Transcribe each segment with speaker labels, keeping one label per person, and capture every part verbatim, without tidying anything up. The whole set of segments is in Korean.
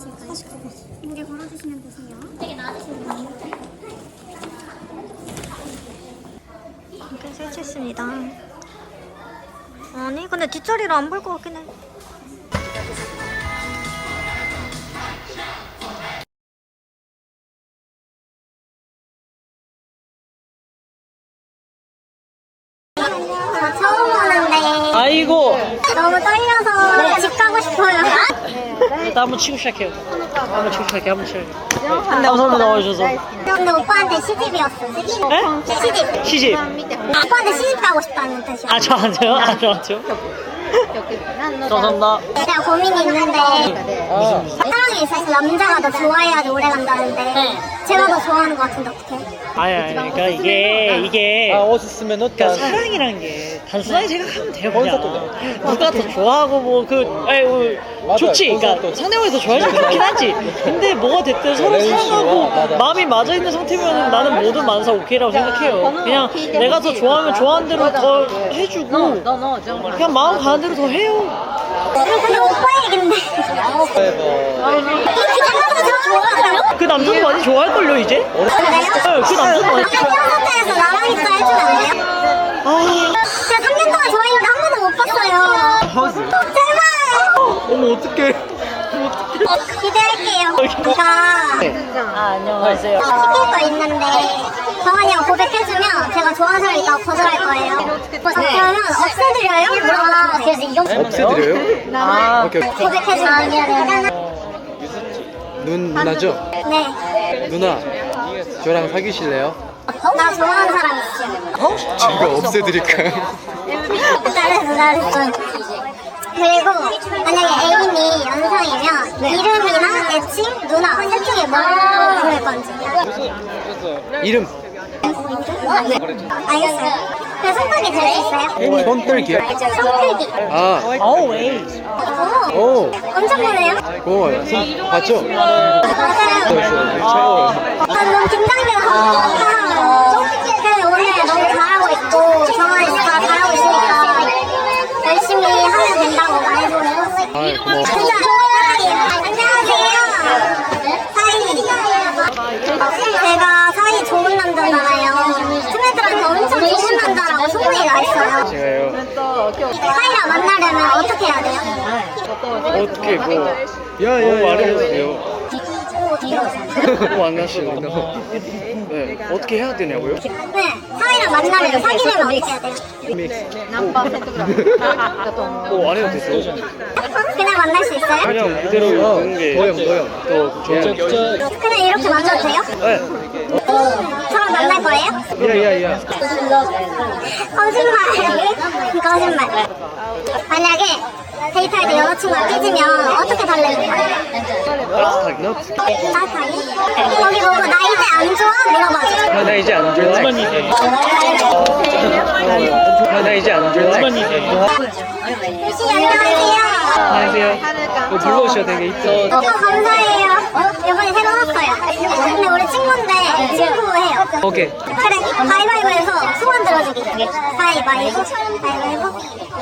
Speaker 1: 걸어주실까요? 무게 걸어주시면 되세요. 되게 나아지시는
Speaker 2: 이렇게 설치했습니다. 아니 근데 뒷자리를 안 볼 것 같긴 해.
Speaker 1: 저 처음 보는데
Speaker 3: 아이고.
Speaker 1: 너무 떨려서 집 가고 싶어요.
Speaker 3: 일단 한번 치고 시작해요. 한번 치고 시작해. 한번 치고. 감사합니다 나와주셔서.
Speaker 1: 근데 오빠한테 시집이었어. 시집.
Speaker 3: 네?
Speaker 1: 시집.
Speaker 3: 시집.
Speaker 1: 오빠한테 시집 가고 싶다는 뜻이야.
Speaker 3: 아 저한테요? 아 저한테요? 감사합니다.
Speaker 1: 제가 고민이 있는데 사랑에 있어서 남자가 더 좋아해야지 오래 간다는데 제가 더 좋아하는 것 같은데 어떡해?
Speaker 3: 아니 아니 그러니까 이게 이게
Speaker 4: 아, 옷 있으면 옷
Speaker 3: 그러니까 사랑이란 게 단순하게 생각하면 돼요 그냥. 누가 더 좋아하고 뭐그 아니 뭐 좋지. 그러니까 상대방이 더 좋아하면 좋긴 하지. 근데 뭐가 됐든 서로 사랑하고 마음이 맞아 있는 상태면 나는 뭐든 만사 오케이라고 생각해요. 그냥 내가 더 좋아하면 좋아하는 대로 더 해주고 그냥 마음 가는 대로 더 해요.
Speaker 1: 근데 오빠 얘긴데
Speaker 3: 그 남자도 많이 좋아할걸요 이제? 네, 그 남자도 많이
Speaker 1: 콘서트에서 나랑 있어 해주면 안 돼요?
Speaker 3: 아
Speaker 1: 제가 삼 년 동안 좋아했는데 한 번도 못 봤어요. 제발
Speaker 4: 어머 어떡해.
Speaker 1: 기대할게요. 제가
Speaker 3: 아, 안녕하세요.
Speaker 1: 시킬 거 있는데 정한이가 고백해주면 제가 좋아하는 사람이 있다고 거절할 거예요. 그러면 없애드려요? 물어봐. 그래서 이거
Speaker 4: 없애드려요?
Speaker 3: 아,
Speaker 4: 오케이.
Speaker 1: 고백해주면
Speaker 4: 눈 누나죠?
Speaker 1: 네.
Speaker 4: 누나 저랑 사귀실래요?
Speaker 1: 나 좋아하는 사람 있어.
Speaker 4: 제가 없애드릴까요?
Speaker 1: 잘했어 잘했어. 그리고 만약에 애인이 연상이면 이름이나 애칭, 누나 셋 중에 뭘 부를 건지.
Speaker 4: 이름
Speaker 1: 알겠어요. 그 손톱이 될 수 있어요?
Speaker 4: 손떨기요?
Speaker 1: 손크기.
Speaker 4: 아,
Speaker 3: always.
Speaker 1: 오,
Speaker 4: 오,
Speaker 1: 엄청 보네요.
Speaker 4: 고마워요. 손 봤죠?
Speaker 1: 맞아요.
Speaker 4: 최고예요.
Speaker 1: 아, 너무 긴장돼서. 그래서 오늘 너무 잘하고 있고 정한이 진짜 잘하고 있으니까 열심히 하면 된다고 말해줘요.
Speaker 4: 아, 고마워.
Speaker 1: 진짜 안녕하세요. 사이. 제가 사이 좋은 남자잖아요. 친애들한테 엄청 좋은 남자라고 소문이 나 있어요.
Speaker 4: 제가요.
Speaker 1: 사이랑 만나려면 어떻게 해야 돼요?
Speaker 4: 어떻게 뭐? 야야야. 말해주세요.
Speaker 1: 오,
Speaker 4: 만나시는 거. 네. 어떻게 해야 되냐고요?
Speaker 1: 네, 사이랑 만나려면 사귀려면 어떻게 해야 돼요?
Speaker 4: 뭐 안 해도 됐어.
Speaker 1: 그냥 만날 수 있어요?
Speaker 4: 그냥 그대로 보는 게 도영 도영 또 좋은.
Speaker 1: 그냥 이렇게 만나도 돼요?
Speaker 4: 네.
Speaker 1: 저랑 만날 거예요?
Speaker 4: 야야야.
Speaker 1: 거짓말. 거짓말. 만약에 데이트할 때 여자친구가 삐지면 어떻게 달래는 거예요?
Speaker 4: 따뜻하게.
Speaker 1: 따뜻하게? 거기 보고 나 이제 안 좋아? 물어봐줘.
Speaker 4: 아, 나 이제 안 좋아. 아, 나 이제 안 좋아.
Speaker 1: 유씨 안녕하세요.
Speaker 4: 안녕하세요. 뭐 불러오셔도 되게 이뻐.
Speaker 1: 어, 감사해요. 이번에 새로 왔어요. 근데 우리 친구인데 친구해요.
Speaker 4: 오케이.
Speaker 1: 그래, 가위바위보해서 소원 들어주기. 가위바위보. 가위바위보.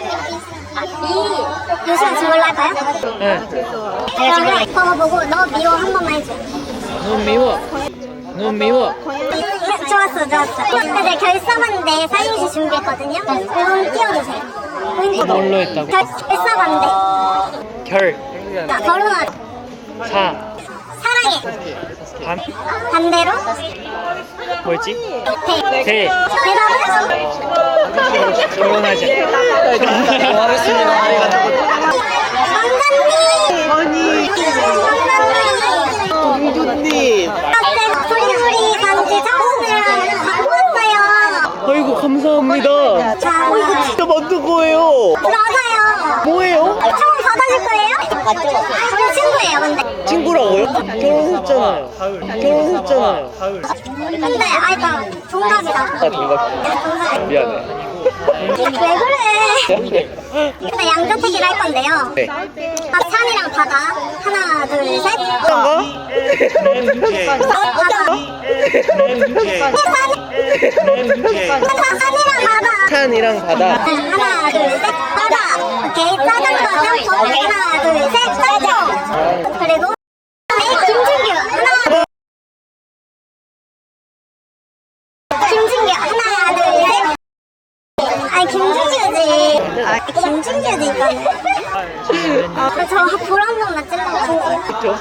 Speaker 1: 이 요시가 지금 뭘로 할까요?
Speaker 4: 네.
Speaker 1: 그러면 저거 보고 너 미워 한 번만 해줘.
Speaker 4: 너무 미워. 너무 미워.
Speaker 1: 좋았어, 좋았어. 근데 결사반대 사인시 준비했거든요. 그건 띄워주세요.
Speaker 4: 뭘로 했다고?
Speaker 1: 결사반대.
Speaker 4: 결.
Speaker 1: 자, 결혼하자.
Speaker 4: 사.
Speaker 1: 사랑해.
Speaker 4: 반.
Speaker 1: 반대로
Speaker 4: 뭐였지?
Speaker 1: 대.
Speaker 4: 대.
Speaker 1: 대답은?
Speaker 4: 결혼하자. 고맙습니다.
Speaker 1: 왕자님.
Speaker 4: 아니. 공주님.
Speaker 1: 소리소리 반지 창문을 갖고 왔어요.
Speaker 4: 아이고 감사합니다.
Speaker 1: 자, 이거
Speaker 4: 진짜 만든 거예요.
Speaker 1: 맞아요.
Speaker 4: 뭐예요?
Speaker 1: 처음 받아줄 거예요? 맞죠. 우리 친구예요, 근데.
Speaker 4: 친구라고요? 결혼했잖아요. 결혼했잖아요.
Speaker 1: 근데, 아이가 동갑이다.
Speaker 4: 아 동갑. 미안해.
Speaker 1: 왜 그래? 근데 양자택일 할 건데요.
Speaker 4: 네.
Speaker 1: 아, 산이랑 바다. 하나, 둘, 셋.
Speaker 4: 가?
Speaker 1: 바다. 산이랑 바다.
Speaker 4: 산이랑 바다.
Speaker 1: 하나, 둘, 셋. 바다. 오케이. 짜장면 짬뽕. 하나, 둘, 셋. 짜장. 그리고
Speaker 4: 재밌죠?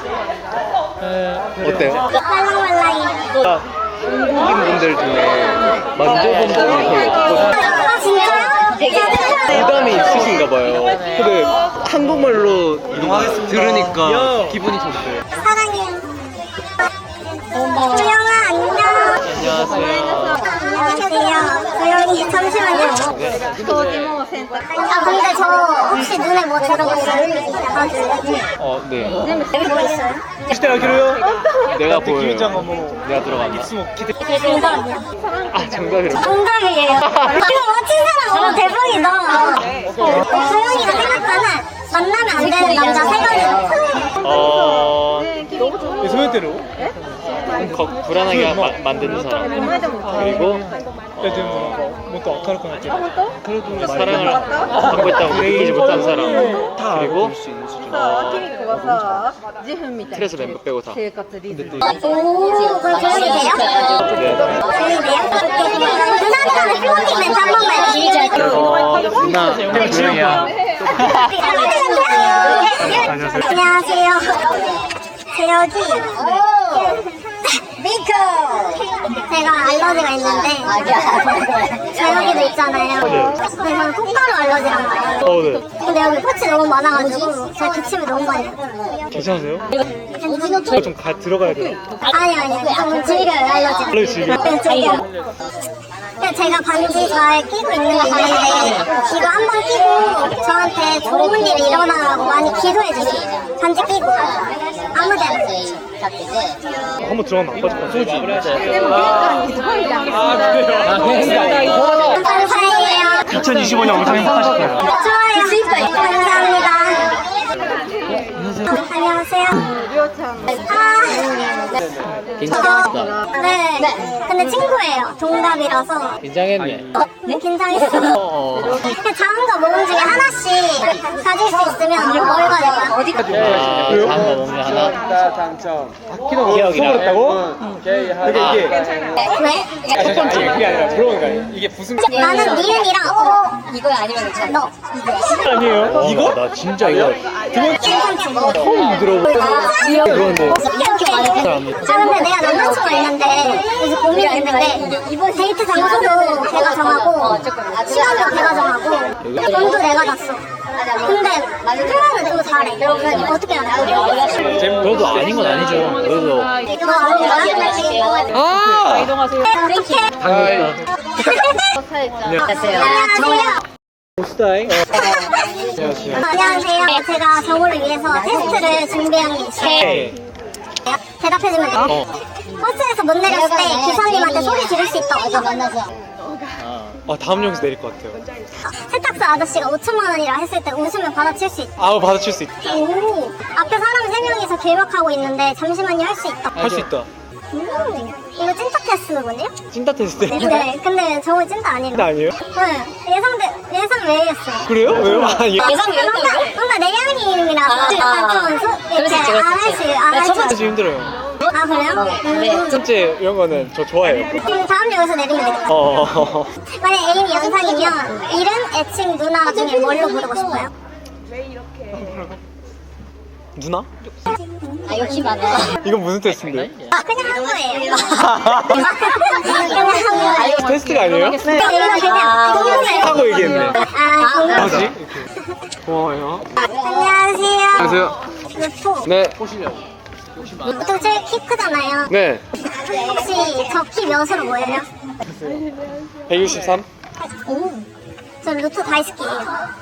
Speaker 4: 어때요?
Speaker 1: 말랑말랑이.
Speaker 4: 아, 한국인 분들 중에 만져본 분이 거의 없거든요.
Speaker 1: 아 진짜요?
Speaker 4: 부담이 있으신가 봐요. 근데 한국말로 들으니까 기분이 좋대요.
Speaker 1: 사랑해요. 조영아 안녕.
Speaker 4: 안녕하세요.
Speaker 1: 안녕하세요. 조영이 잠시만요. 아 근데 저 혹시 눈에 뭐 들어갔어요? 봐줄래?
Speaker 4: 어, 네.
Speaker 1: 뭐 있어요?
Speaker 4: 내가 보여요. 내가 들어간다.
Speaker 1: 정답이요.
Speaker 4: 아, 정답이라고.
Speaker 1: 정답이에요. 이거 맞힌 사람 너무 대박이다. 조영이가 생각하는 만나면 안 되는 남자 세 가지.
Speaker 4: 어,
Speaker 5: 소개대로
Speaker 4: 거, 불안하게 마, 만드는 사람. 그리고
Speaker 5: 요즘もっと明るくなってる
Speaker 4: 그래도 사랑을 받고 있다고 느끼지 못한 사람. 그리고 어, 스트레스 멤버 빼고 다.
Speaker 1: 오, 그럼 조영이 돼요?
Speaker 4: 네.
Speaker 1: 조영이 돼요? 누나들한테 플로팅 멘트 한 번만 해주세요.
Speaker 4: 어, 누나, 조용히야.
Speaker 1: 안녕하세요. 재혁이. 미코. 제가 알러지가 있는데 재혁이도 있잖아요. 근데 저는 콧가루 알러지란 말이에요.
Speaker 4: 어, 네.
Speaker 1: 근데 여기 꽃이 너무 많아가지고 제가 기침을 너무 많이 해요.
Speaker 5: 괜찮으세요?
Speaker 1: 괜찮아요?
Speaker 5: 저 좀 가, 들어가야 돼요.
Speaker 1: 아니 아니 좀 즐겨요 알러지.
Speaker 5: 알러지 즐겨요?
Speaker 1: 네 즐겨요. 근데 제가 반지 잘 끼고 있는 게 있는데 이거 한 번 끼고 저한테 좋은 일이 일어나라고 많이 기도해 주세요. 반지 끼고 아무데나.
Speaker 5: 한번 들어가면 안 빠질 것 같아요.
Speaker 1: 감사해요.
Speaker 5: 이천이십오 년 영상 행복하실 거예요.
Speaker 1: 좋아요. 감사합니다. 안녕하세요. 아, 네. 근데 친구예요. 동갑이라서.
Speaker 4: 긴장했네.
Speaker 1: 네, 긴장했어.
Speaker 4: 어,
Speaker 1: 그냥 작은 거 모금 중에 하나씩 가질 수 있으면 뭘 가질까요? 어디
Speaker 4: 아, 다음 거 먹는 하나.
Speaker 5: 당첨.
Speaker 4: 기억이랑.
Speaker 5: 속았다고? 그러니까 이게
Speaker 1: 왜?
Speaker 5: 첫 번째 그게 아니라 물어보는 거 아니에요. 이게 무슨
Speaker 1: 나는 니은이랑 어. 이거 아니면 너.
Speaker 5: 아니에요?
Speaker 4: 이거? 나 진짜 이거
Speaker 1: 괜찮지?
Speaker 4: 처음 들어보고 그런데
Speaker 1: 아 근데 내가 남자친구가 있는데 요즘 고민이 있는데 이번 데이트 장소도 내가 정하고 시간도 내가 정하고 돈도 내가 놨어. 근데 표현은 또 잘해. 어떻게 하냐?
Speaker 4: 그래도 아닌 건 아니죠. 그래도
Speaker 1: 너 아닌 거야?
Speaker 4: 아!
Speaker 1: 어떻게?
Speaker 4: 당연하다.
Speaker 1: 안녕하세요.
Speaker 5: 스타일?
Speaker 1: 안녕하세요. 제가 저거를 위해서 테스트를 준비한 게 있어요. 대답해주면 돼요.
Speaker 4: 어.
Speaker 1: 버스에서 못 내렸을 때 기사님한테 소리 지를 수 있다고.
Speaker 5: 아, 다음 영상 내릴 것 같아요.
Speaker 1: 세탁소 아저씨가 오천만 원이라 했을 때 웃으면 받아칠 수 있다.
Speaker 5: 아우, 받아칠 수 있다.
Speaker 1: 오, 앞에 사람 세 명이서 길막하고 있는데 잠시만요 할 수 있다.
Speaker 5: 할 수 있다.
Speaker 1: 음, 이거 찐따 테스트군요?
Speaker 5: 찐따 테스트.
Speaker 1: 네, 근데 저거 찐따 아니에요.
Speaker 5: 찐따 아니에요?
Speaker 1: 네, 예상대 예상 외였어요.
Speaker 5: 그래요? 왜요? 아, 예.
Speaker 1: 예상 외였다고? 뭔가 뭔가 내향인이라서 약간 좀 소, 이렇게 안할수안할 수.
Speaker 5: 사실 힘들어요.
Speaker 1: 아 그래요? 음.
Speaker 5: 첫 번째 이런 거는 저 좋아해요.
Speaker 1: 그럼 다음 역에서 내리면 되겠다.
Speaker 5: 어.
Speaker 1: 만약 애인이 연상이면 이름, 애칭, 누나 중에 뭘로 부르고 싶어요?
Speaker 5: 누나?
Speaker 1: 아 욕심 많아.
Speaker 5: 이건 무슨 테스트인데?
Speaker 1: 아 그냥 한 거예요. 그냥 한 거예요.
Speaker 5: 테스트가 아니에요?
Speaker 1: 네, 이거 그냥 궁금해요.
Speaker 5: 하고 얘기했네.
Speaker 1: 아 궁금해요.
Speaker 5: 뭐지? 고마워요.
Speaker 1: 안녕하세요.
Speaker 4: 안녕하세요.
Speaker 1: 루포.
Speaker 4: 네.
Speaker 1: 보통 제일 키 크잖아요.
Speaker 4: 네.
Speaker 1: 혹시 저 키 몇으로 보여요?
Speaker 5: 백육십삼?
Speaker 1: 오. 저 루트 다이스키예요.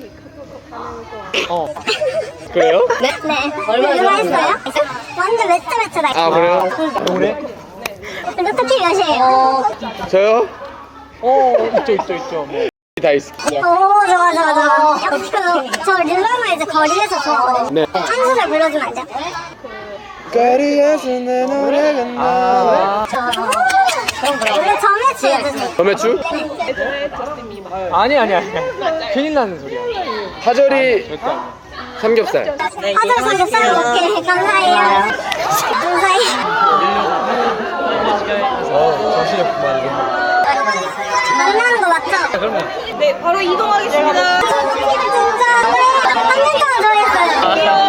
Speaker 5: 어. 그래요?
Speaker 1: 네? 네. 얼마 했어요? 완전 매트매트다.
Speaker 4: 아, 그래요?
Speaker 5: 노래?
Speaker 1: 루트 키 몇이에요?
Speaker 4: 저요?
Speaker 5: 어, 있죠, 있죠, 있죠. 뭐.
Speaker 4: 다이스키.
Speaker 1: 오 좋아 좋아 좋아. 그, 저 릴러노이즈 거리에서 좋아하거든요.
Speaker 4: 네.
Speaker 1: 한 소절 불러주면 안 돼요?
Speaker 4: 거리에서 내 노래가 나.
Speaker 1: 원래 점에 지어주세요.
Speaker 4: 점액추?
Speaker 5: 아니, 아니, 아니. 큰일 나는 소리야.
Speaker 4: 파절이
Speaker 5: 절대 아니야.
Speaker 4: 삼겹살.
Speaker 1: 하절 삼겹살 오케이 감사해요. 감사해요.
Speaker 5: 어, 정신이 없구만.
Speaker 1: 만나는 거 맞죠?
Speaker 5: 그러면.
Speaker 2: 네, 바로 이동하겠습니다.
Speaker 1: 진짜 한 년 동안 좋아했어요.